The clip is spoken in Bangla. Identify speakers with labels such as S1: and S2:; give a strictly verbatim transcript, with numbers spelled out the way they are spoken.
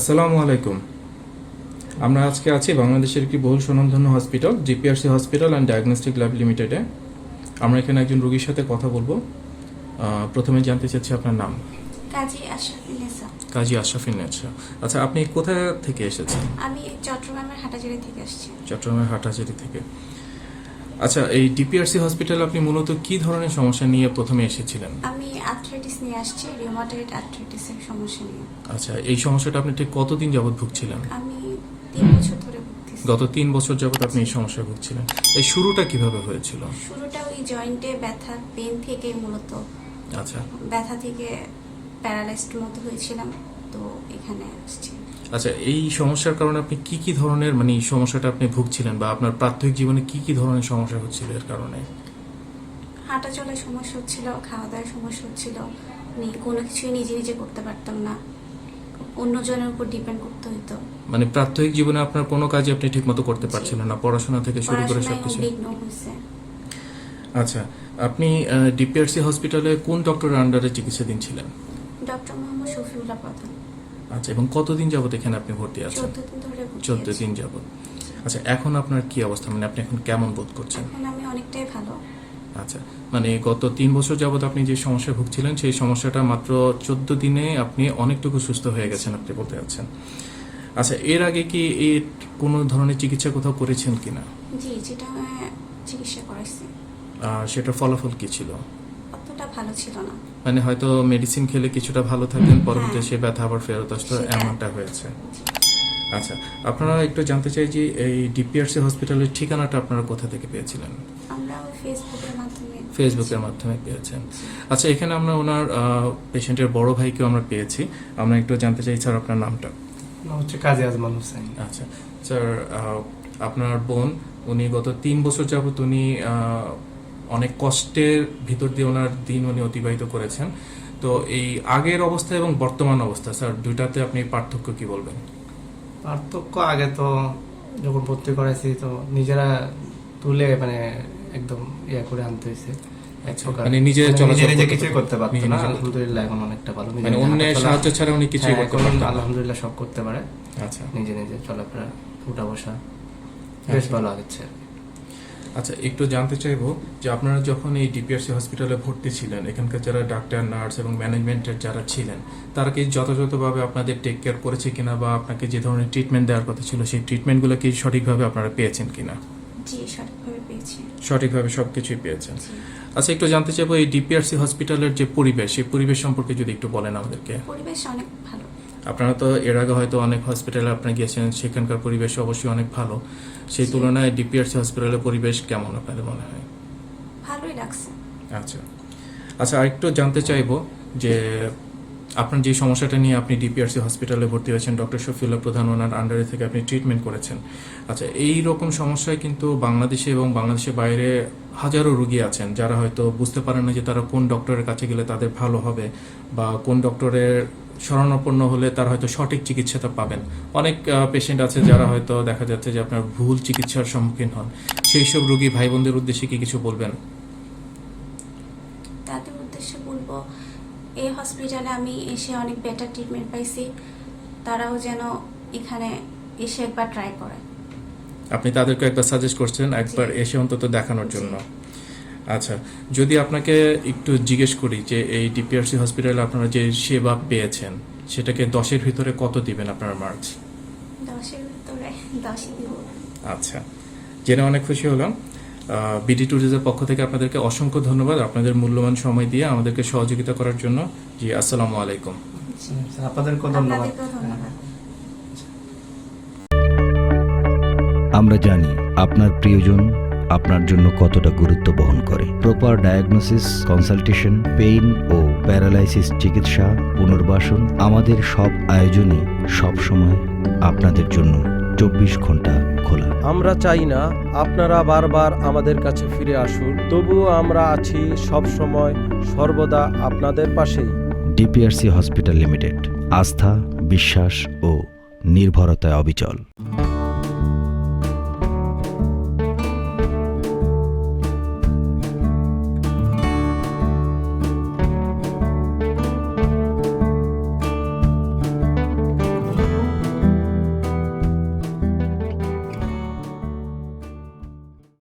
S1: আসসালামু আলাইকুম। আমরা আজকে আছি বাংলাদেশের একটি বহুল স্বনামধন্য hospital GPRC hospital and diagnostic lab লিমিটেডে। আমরা এখানে একজন রোগীর সাথে কথা বলবো। আহ, প্রথমে জানতে চাচ্ছি আপনার নাম।
S2: কাজী আশরাফিন নেসা।
S1: কাজী আশরাফিন নেসা। আচ্ছা, আপনি কোথা থেকে এসেছেন?
S2: আমি চট্টগ্রামের হাটাজারি থেকে আসছি।
S1: চট্টগ্রামের হাটাজারি থেকে। আচ্ছা, এই ডিপিআরসি হসপিটালে আপনি মূলত কি ধরনের সমস্যা নিয়ে প্রথমে এসেছিলেন?
S2: আমি আর্থ্রাইটিস নিয়ে আসছি, রিউমাটয়েড আর্থ্রাইটিসের সমস্যা নিয়ে।
S1: আচ্ছা, এই সমস্যাটা আপনি ঠিক কতদিন যাবত ভুগছিলেন?
S2: আমি তিন বছর ধরে ভুগতেছি।
S1: গত তিন বছর যাবত আপনি এই সমস্যায় ভুগছিলেন। এই শুরুটা কিভাবে হয়েছিল?
S2: শুরুটা ওই জয়েন্টে ব্যথা পেন থেকে মূলত।
S1: আচ্ছা
S2: ব্যথা থেকে প্যারালাইজড মতো হয়েছিলাম, তো এখানে আসছি।
S1: আচ্ছা, এই সমস্যার কারণে আপনি কি কি ধরনের মানে এই সমস্যাটা আপনি ভুগছিলেন বা আপনার প্রাথমিক জীবনে কি কি ধরনের সমস্যা হচ্ছিল এর কারণে?
S2: হাঁটা চলার সমস্যা হচ্ছিল, খাওয়া দাওয়ার সমস্যা হচ্ছিল, আমি কোনো কিছুই নিজে নিজে করতে পারতাম না, অন্যজনের উপর ডিপেন্ড করতে হতো।
S1: মানে প্রাথমিক জীবনে আপনার কোনো কাজই আপনি ঠিকমতো করতে পারছিলেন না, পড়াশোনা থেকে শুরু করে
S2: পড়াশোনায়
S1: সবকিছু?
S2: বিঘ্ন হয়েছে।
S1: আচ্ছা, আপনি ডিপিআরসি হসপিটালে কোন ডক্টরের আন্ডারে চিকিৎসাধীন ছিলেন?
S2: ডক্টর মোহাম্মদ শফিউল্লাহ প্রধান।
S1: আচ্ছা, এবং কতদিন যাবত এখানে আপনি ভর্তি আছেন?
S2: চোদ্দ দিন ধরে ভর্তি
S1: চোদ্দ
S2: আছি।
S1: দিন যাবত। আচ্ছা, এখন আপনার কি অবস্থা, মানে আপনি এখন কেমন বোধ করছেন?
S2: এখন আমি অনেকটাই ভালো।
S1: আচ্ছা, মানে গত তিন বছর যাবত আপনি যে সমস্যায় ভুগছিলেন সেই সমস্যাটা মাত্র চোদ্দ দিনে আপনি অনেকটুকু সুস্থ হয়ে গেছেন আপনি বলতে যাচ্ছেন। আচ্ছা, এর আগে কি এর কোনো ধরনের চিকিৎসা কোথাও করেছেন কিনা?
S2: জি, যেটা আমি চিকিৎসা করাইছি,
S1: আর সেটার ফলাফল কি ছিল?
S2: অতটা ভালো ছিল না।
S1: মানে হয়তো মেডিসিন খেলে কিছুটা ভালো থাকলেন, পরবর্তীতে
S2: হ্যাঁ।
S1: সে ব্যথা আবার ফেরত আসতো,
S2: সেটা-
S1: এমনটা হয়েছে। আচ্ছা, আপনারা একটু জানতে চাই যে এই ডিপিআরসি হসপিটালের ঠিকানাটা আপনারা কোথা থেকে পেয়েছিলেন?
S2: আমরা ওই ফেসবুকের মাধ্যমে
S1: ফেসবুকের মাধ্যমে পেয়েছেন। আচ্ছা, এখানে আমরা ওনার পেশেন্টের বড় ভাইকেও আমরা পেয়েছি। আমরা একটু জানতে চাই স্যার আপনার নামটা।
S3: নাম হচ্ছে কাজী আজমান হোসেন।
S1: আচ্ছা স্যার, আহ, আপনার বোন উনি গত তিন বছর যাবত উনি আহ, অনেক কষ্টের ভিতর দিয়ে ওনার দিন উনি অতিবাহিত করেছেন। তো এই আগের অবস্থা এবং বর্তমান অবস্থা স্যার দুইটাতে আপনি পার্থক্য কি বলবেন?
S3: পার্থক্য, আগে তো যখন ভর্তি করাইছি তো নিজেরা তুলে মানে একদম ইয়া করে আনতে হয়েছে। এক প্রকার
S1: মানে নিজে
S3: মানে
S1: চলাচল
S3: নিজে নিজে
S1: করতে
S3: কিছুই
S1: পারতেন?
S3: করতে পারতো
S1: নিজে
S3: না,
S1: নিজে করতে-
S3: আলহামদুলিল্লাহ এখন অনেকটা ভালো। নিজে
S1: মানে
S3: নিজে
S1: অন্যের
S3: হাঁটাচলা-
S1: সাহায্য ছাড়া উনি কিছুই
S3: হ্যাঁ,
S1: করতে
S3: এখন
S1: পারতেন না?
S3: আলহামদুলিল্লাহ সব করতে পারে,
S1: আচ্ছা
S3: নিজে নিজে চলাফেরা, উঠা বসা বেশ ভালো আগেছে।
S1: আচ্ছা, একটু জানতে চাইবো যে আপনারা যখন এই ডিপিআরসি হসপিটালে ভর্তি ছিলেন, এখানকার যারা ডাক্তার, নার্স এবং ম্যানেজমেন্টের যারা ছিলেন তারা কি যথাযথভাবে আপনাদের টেক কেয়ার করেছে কিনা বা আপনাকে যে ধরনের ট্রিটমেন্ট দেওয়ার কথা ছিল সেই ট্রিটমেন্টগুলো কি সঠিকভাবে আপনারা পেয়েছেন কিনা?
S2: জি সঠিকভাবে পেয়েছি।
S1: সঠিকভাবে সব কিছুই পেয়েছেন।
S2: জি।
S1: আচ্ছা, একটু জানতে চাইবো এই ডিপিআরসি হসপিটালের যে পরিবেশ, সেই পরিবেশ সম্পর্কে যদি একটু বলেন আমাদেরকে।
S2: পরিবেশ অনেক ভালো।
S1: আপনারা তো এর আগে হয়তো অনেক হসপিটালে আপনারা গিয়েছেন, সেখানকার পরিবেশ অবশ্যই অনেক ভালো। সেই
S2: জি।
S1: তুলনায় ডিপিআরসি হসপিটালের পরিবেশ কেমন আপনাদের মনে হয়?
S2: ভালোই লাগছে।
S1: আচ্ছা আচ্ছা আরেকটু জানতে চাইবো যে আপনার যে সমস্যাটা নিয়ে আপনি ডিপিআরসি হসপিটালে ভর্তি হয়েছেন, ডক্টর শফিউল্লাহ প্রধান ওনার আন্ডারে থেকে আপনি ট্রিটমেন্ট করেছেন। আচ্ছা, এই রকম সমস্যায় কিন্তু বাংলাদেশে এবং বাংলাদেশের বাইরে হাজারো রোগী আছেন যারা হয়তো বুঝতে পারেন না যে তারা কোন ডক্টরের কাছে গেলে তাদের ভালো হবে বা কোন ডক্টরের শরণাপন্ন হলে তারা হয়তো সঠিক চিকিৎসাটা পাবেন। অনেক পেশেন্ট আছে যারা হয়তো দেখা যাচ্ছে যে আপনার ভুল চিকিৎসার সম্মুখীন হন। সেই সব রোগী ভাই বোনদের উদ্দেশ্যে কি কিছু বলবেন?
S2: তাদের উদ্দেশ্যে বলবো, এই হসপিটালে আমি এসে অনেক বেটার ট্রিটমেন্ট পাইছি, তারাও যেন এখানে এসে একবার ট্রাই করে।
S1: আপনি তাদেরকে একবার সাজেস্ট করছেন একবার
S2: জি।
S1: এসে অন্তত দেখানোর জন্য। আচ্ছা, যদি আপনাকে একটু জিজ্ঞেস করি যে এই ডিপিআরসি হসপিটালে আপনারা যে সেবা পেয়েছেন সেটাকে দশের ভিতরে কত দিবেন আপনার মার্কস?
S2: দশের ভিতরে দশই দিব।
S1: আচ্ছা, জেনে অনেক খুশি হলাম। বিডি ট্যুরিজমের পক্ষ থেকে আপনাদেরকে অসংখ্য ধন্যবাদ আপনাদের মূল্যবান সময় দিয়ে আমাদেরকে সহযোগিতা করার জন্য। জি, আসসালামু আলাইকুম।
S3: আপনাদেরকেও ধন্যবাদ।
S2: আপনাদেরকেও ধন্যবাদ।
S4: আমরা জানি আপনার প্রিয়জন আপনার জন্য কতটা গুরুত্ব বহন করে। প্রপার ডায়াগনোসিস, কনসালটেশন, পেইন ও প্যারালাইসিস চিকিৎসা, পুনর্বাসন, আমাদের সব আয়োজনই সবসময় আপনাদের জন্য চব্বিশ ঘন্টা খোলা।
S5: আমরা চাই না আপনারা বারবার আমাদের কাছে ফিরে আসুন, তবুও আমরা আছি সব সময় সর্বদা আপনাদের পাশেই।
S4: ডিপিআরসি হসপিটাল লিমিটেড, আস্থা, বিশ্বাস ও নির্ভরতায় অবিচল।